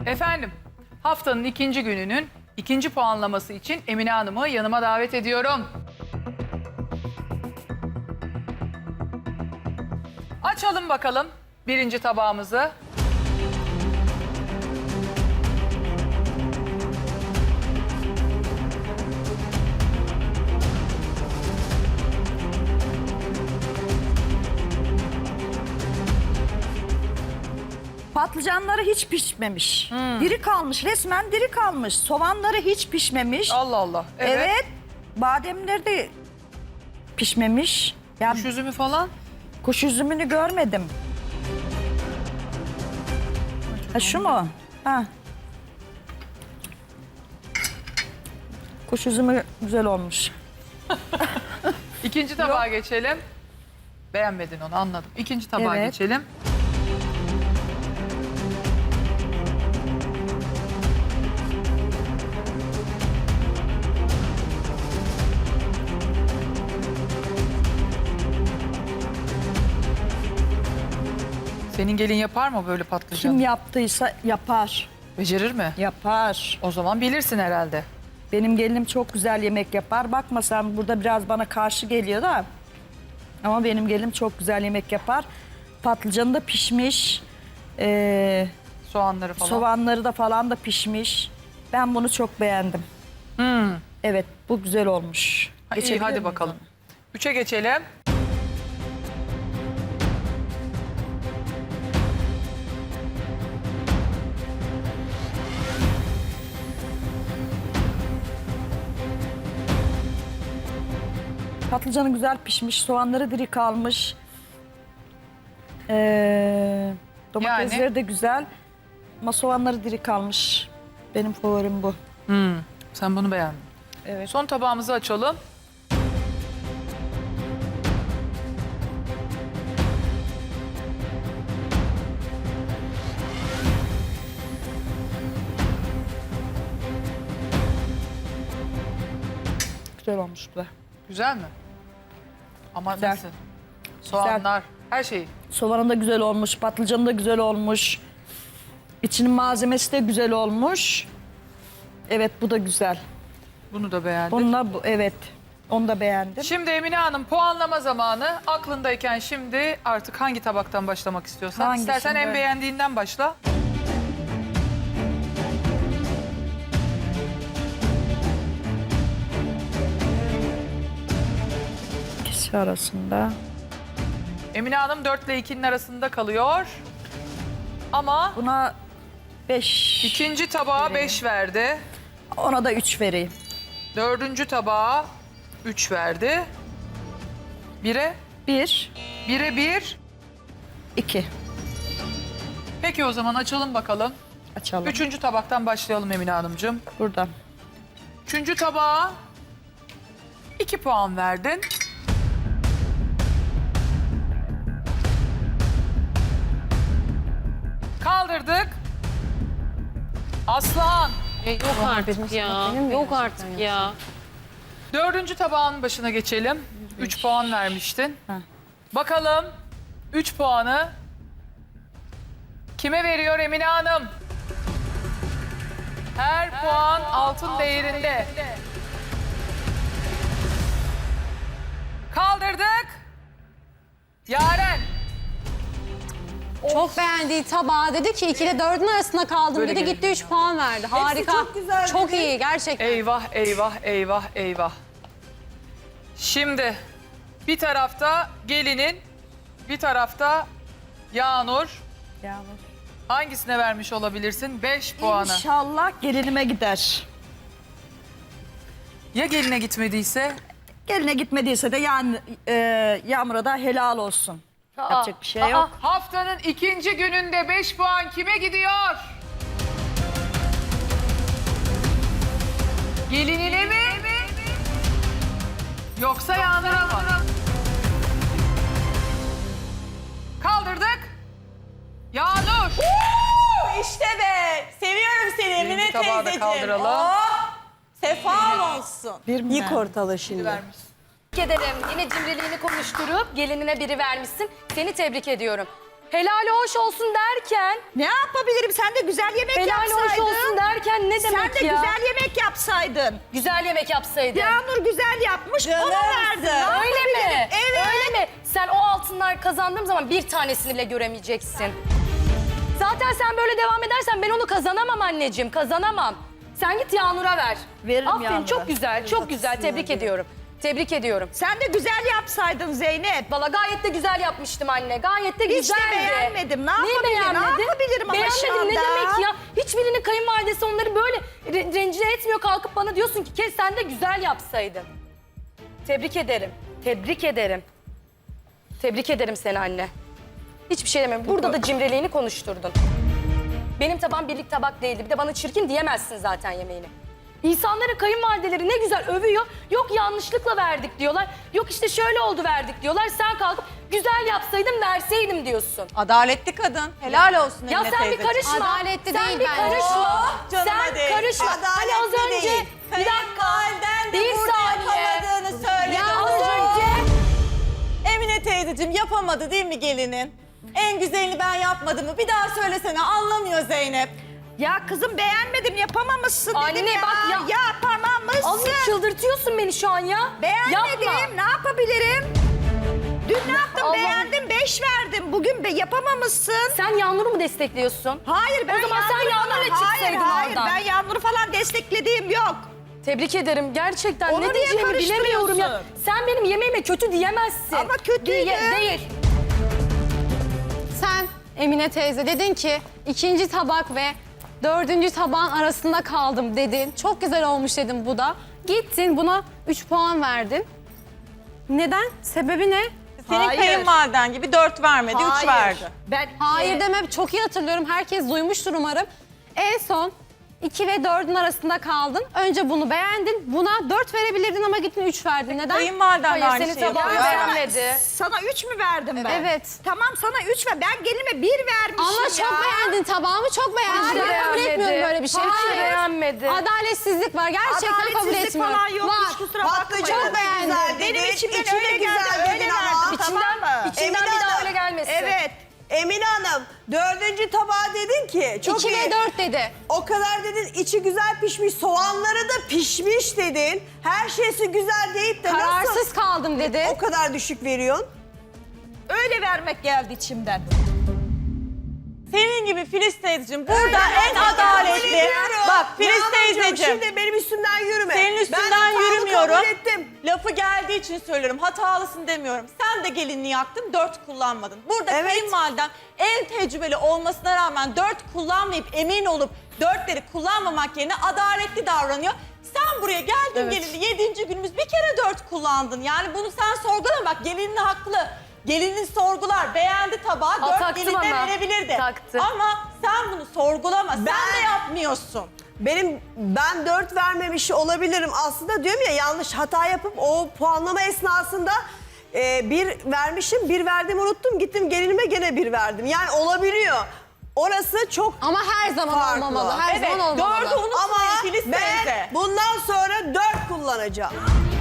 Efendim, haftanın ikinci gününün ikinci puanlaması için Emine Hanım'ı yanıma davet ediyorum. Açalım bakalım birinci tabağımızı. Patlıcanları hiç pişmemiş. Diri kalmış, resmen diri kalmış. Soğanları hiç pişmemiş. Allah Allah. Evet. Bademleri de pişmemiş. Yani Kuş üzümü falan. kuş üzümünü görmedim. Ha şu mu? Ha. Kuş üzümü güzel olmuş. İkinci tabağa geçelim. Beğenmedin onu, anladım. İkinci tabağa Evet. geçelim. Senin gelin yapar mı böyle patlıcan? Kim yaptıysa yapar. Becerir mi? Yapar. O zaman bilirsin herhalde. Benim gelinim çok güzel yemek yapar. Bakma sen burada biraz bana karşı geliyor da. Ama benim gelinim çok güzel yemek yapar. Patlıcanı da pişmiş. Soğanları falan. Soğanları da falan da pişmiş. Ben bunu çok beğendim. Evet, bu güzel olmuş. Ha, iyi, Geçebilir hadi miyim? bakalım. 3'e geçelim. Patlıcanı güzel pişmiş, soğanları diri kalmış. Domatesleri de güzel. Ama soğanları diri kalmış. Benim favorim bu. Sen bunu beğendin. Evet. Son tabağımızı açalım. Güzel olmuş bu da. Güzel mi? Ama Güzel. nasıl? Soğanlar, her şeyi. Soğanı da güzel olmuş, patlıcanı da güzel olmuş. İçinin malzemesi de güzel olmuş. Evet, bu da güzel. Bunu da beğendim. Bununla bu, evet. Onu da beğendim. Şimdi Emine Hanım puanlama zamanı. Aklındayken şimdi artık hangi tabaktan başlamak istiyorsan. Hangisinde? İstersen en beğendiğinden başla. İkisi arasında. Emine Hanım 4 ile 2'nin arasında kalıyor. Ama Buna 5. ikinci tabağa 5 verdi. Ona da 3 vereyim. Dördüncü tabağa 3 verdi. 1'e 1, 1'e 1. 2. Peki o zaman açalım bakalım. Açalım. Üçüncü tabaktan başlayalım Emine Hanımcığım. Buradan. Üçüncü tabağa 2 puan verdin. Kaldırdık. Aslan. Yok artık ya. Yok artık ya. Dördüncü tabağın başına geçelim. 3 puan vermiştin. Heh. Bakalım 3 puanı kime veriyor Emine Hanım? Her puan altın değerinde. Kaldırdık. Yaren. Çok beğendiği tabağı dedi ki 2 ile 4'ün arasında kaldım Böyle dedi. gelin. Gitti 3 puan verdi. Harika. çok güzel Çok dedi. iyi gerçekten. Eyvah, eyvah, eyvah, eyvah. Şimdi bir tarafta gelinin, bir tarafta Yağnur. Yağmur. Hangisine vermiş olabilirsin? 5 puanı. İnşallah gelinime gider. Ya geline gitmediyse? Geline gitmediyse de yani Yağmur'a da helal olsun. Yapacak bir şey yok. Haftanın ikinci gününde 5 puan kime gidiyor? Gelinine mi? Yoksa Yağnur'a mı? Kaldırdık. Yağnur. İşte be. Seviyorum seni Emine Birinci tabağı da teyzeciğim. kaldıralım. Oh, sefan olsun. Bir mi Yık verdi? ortalığı şimdi. Vermiş. Tebrik ederim. Yine cimriliğini konuşturup gelinine biri vermişsin. Seni tebrik ediyorum. Helali hoş olsun derken, Ne yapabilirim? Sen de güzel yemek helali hoş yapsaydın. olsun derken ne Sen demek de ya? güzel yemek yapsaydın. Güzel yemek yapsaydın. Yağmur güzel yapmış, ona Canımsın. verdin. Ne Öyle mi? yapabilirim? Evet. Öyle mi? Sen o altınlar kazandığım zaman bir tanesini bile göremeyeceksin. Zaten sen böyle devam edersen ben onu kazanamam anneciğim, kazanamam. Sen git Yağnur'a ver. Veririm Aferin, Yağnur'a. çok güzel, çok güzel. Tebrik ediyorum. Tebrik ediyorum. Sen de güzel yapsaydın Zeynep. Valla gayet de güzel yapmıştım anne. Gayet de Hiç de güzeldi. beğenmedim. Ne Neyi yapabilirim? Ne beğenmedin? yapabilirim ama şu Beğenmedim ne anda? demek ya? Hiçbirinin kayınvalidesi onları böyle rencide etmiyor. Kalkıp bana diyorsun ki kes sen de güzel yapsaydın. Tebrik ederim. Tebrik ederim. Tebrik ederim seni anne. Hiçbir şey demiyorum. Burada da cimriliğini konuşturdun. Benim tabağım birlik tabak değildi. Bir de bana çirkin diyemezsin zaten yemeğini. İnsanların kayınvalideleri ne güzel övüyor. Yok yanlışlıkla verdik diyorlar. Yok işte şöyle oldu verdik diyorlar. Sen kalkıp güzel yapsaydım verseydim diyorsun. Adaletli kadın. Helal olsun Ya Emine sen bir teyzeciğim. karışma. Adaletli sen değil bir bence. karışma. Oh, canıma Sen değil. karışma. Hani az Adaletli önce değil. bir dakika. Kayınvaliden de Bir burada saniye. yapamadığını söyledi. Ya az Oo. önce Emine teyzeciğim yapamadı değil mi gelinin? En güzelini ben yapmadım mı? Bir daha söylesene, anlamıyor Zeynep. Ya kızım beğenmedim, yapamamışsın Anne dedim ya. bak ya. Yapamamışsın. Azıcık çıldırtıyorsun beni şu an ya. Beğenmedim, Yapma. ne yapabilirim? Dün ne yaptım? Allah'ım. Beğendim, 5 verdim. Bugün yapamamışsın. Sen Yağmur'u mu destekliyorsun? Hayır, ben O zaman sen Yağmur'la Hayır, çıksaydın hayır, oradan. ben Yağmur'u falan desteklediğim yok. Tebrik ederim. Gerçekten Onu ne niye diyeceğimi bilemiyorum ya. karıştırıyorsun? Sen benim yemeğime kötü diyemezsin. Ama kötüydü. Değil. Sen Emine teyze dedin ki ikinci tabak ve dördüncü tabağın arasında kaldım dedin. Çok güzel olmuş dedim bu da. Gittin buna 3 puan verdin. Neden? Sebebi ne? Senin Hayır. kayınvaliden gibi 4 vermedi, 3 Hayır. verdi. Ben Hayır demem çok iyi hatırlıyorum. Herkes duymuştur umarım. En son 2 ve 4'ün arasında kaldın. Önce bunu beğendin. Buna 4 verebilirdin ama gittin 3 verdin. Neden? Kayınvaliden de Hayır, aynı senin şeyi tabağını yapıyor. beğenmedi. Sana 3 mü verdim ben? Evet. Tamam, sana 3 ver. Ben gelinime 1 vermişim Ama ya. çok beğendin tabağımı çok beğendin. Hiç de Ben kabul beğenmedi. etmiyorum böyle bir şey. Hiç de Hayır. beğenmedi. Adaletsizlik var. Gerçekten kabul Adaletsizlik etmiyorum. falan yok. Hiç Var. kusura bakmayın. Çok beğendim. Benim içimden İçi de öyle geldi, güzel öyle dedin ama. verdim. İçinden, Tamam mı? içinden Emine bir daha Hanım, öyle gelmesin. Evet. Emine Hanım, 4. tabağa dedin ki çok 2 iyi. ve 4 dedi. O kadar dedin, içi güzel pişmiş, soğanları da pişmiş dedin. Her şeysi güzel deyip de Kararsız nasıl kaldım dedi. o kadar düşük veriyorsun? Öyle vermek geldi içimden. Senin gibi Filiz teyzeciğim burada en adaletli. Bak Filiz teyzeciğim. Şimdi benim üstümden yürüme. Senin Ben üstünden hatamı yürümüyorum. kabul ettim. Lafı geldiği için söylüyorum. Hatalısın demiyorum. Sen de gelinliği yaktın, 4 kullanmadın. Burada Evet. kayınvaliden en tecrübeli olmasına rağmen 4 kullanmayıp emin olup 4'leri kullanmamak yerine adaletli davranıyor. Sen buraya geldin gelini 7. günümüz bir kere 4 kullandın. Yani bunu sen sorgulama, bak gelinin haklı. Gelinin sorgular, beğendi tabağı, 4 taktım geline ama. verebilirdi. Taktı. Ama sen bunu sorgulama, sen de yapmıyorsun. Ben 4 vermemiş olabilirim. Aslında diyorum ya, yanlış hata yapıp o puanlama esnasında 1 vermişim, 1 verdim unuttum. Gittim gelinime gene 1 verdim. Yani olabiliyor. Orası çok Ama her zaman farklı. olmamalı. Her Evet, zaman 4'ü olmamalı. unutmayın Ama Filiz ben teyze. bundan sonra 4 kullanacağım.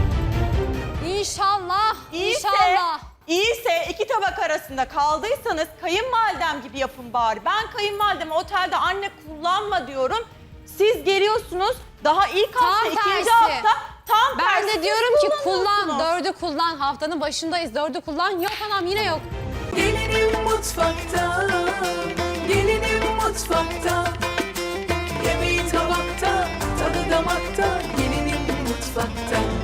İnşallah. İyiyse, İnşallah. iyiyse 2 tabak arasında kaldıysanız kayınvalidem gibi yapın bari. Ben kayınvalideme otelde anne kullanma diyorum. Siz geliyorsunuz daha ilk hafta, Tam ikinci tersi. hafta tam Ben tersi de siz diyorum ki kullan, kullanıyorsunuz. 4'ü kullan. Haftanın başındayız, 4'ü kullan. Yok anam yine yok. Gelinim mutfakta, gelinim mutfakta. Yemeği tabakta, tadı damakta. Gelinim mutfakta.